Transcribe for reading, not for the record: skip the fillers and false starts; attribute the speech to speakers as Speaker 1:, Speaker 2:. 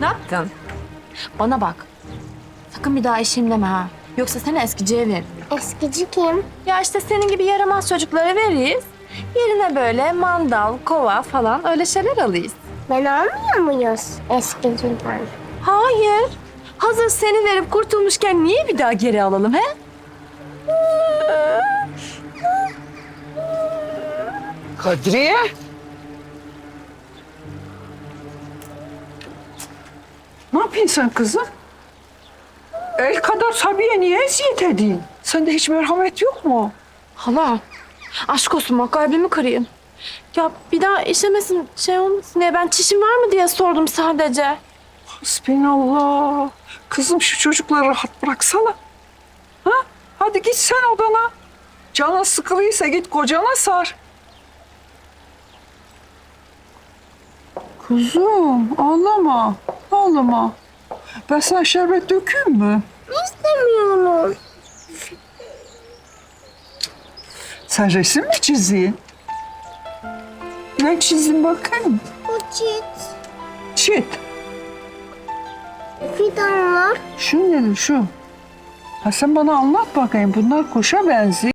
Speaker 1: yaptın? Bana bak. Sakın bir daha eşim deme ha. Yoksa seni eskiciye ver.
Speaker 2: Eskici kim?
Speaker 1: Ya işte senin gibi yaramaz çocuklara veririz. Yerine böyle mandal, kova falan öyle şeyler alırız.
Speaker 2: Ben almıyor muyuz eskiciden?
Speaker 1: Hayır. Hazır seni verip kurtulmuşken niye bir daha geri alalım he?
Speaker 3: Kadriye. Ne yapıyorsun sen kızım? El kadar Sabiye niye eziyet edeyim? Sende hiç merhamet yok mu?
Speaker 1: Hala, aşk olsun bak kalbimi kırayım. Ya bir daha işemesin şey olmasın diye ben çişim var mı diye sordum sadece.
Speaker 3: Hasbinallah. Kızım şu çocukları rahat bıraksana. Ha? Hadi git sen odana. Canın sıkılıysa git kocana sar. Kuzum ağlama. Ağlama. Ben sana şerbet dökeyim mi?
Speaker 2: İstemiyorum.
Speaker 3: Sen resim mi çizdin? Ne çizdin bakayım?
Speaker 2: Bu çit.
Speaker 3: Çit.
Speaker 2: Fidanlar.
Speaker 3: Şu nedir şu? Ha sen bana anlat bakayım. Bunlar kuşa benziyor.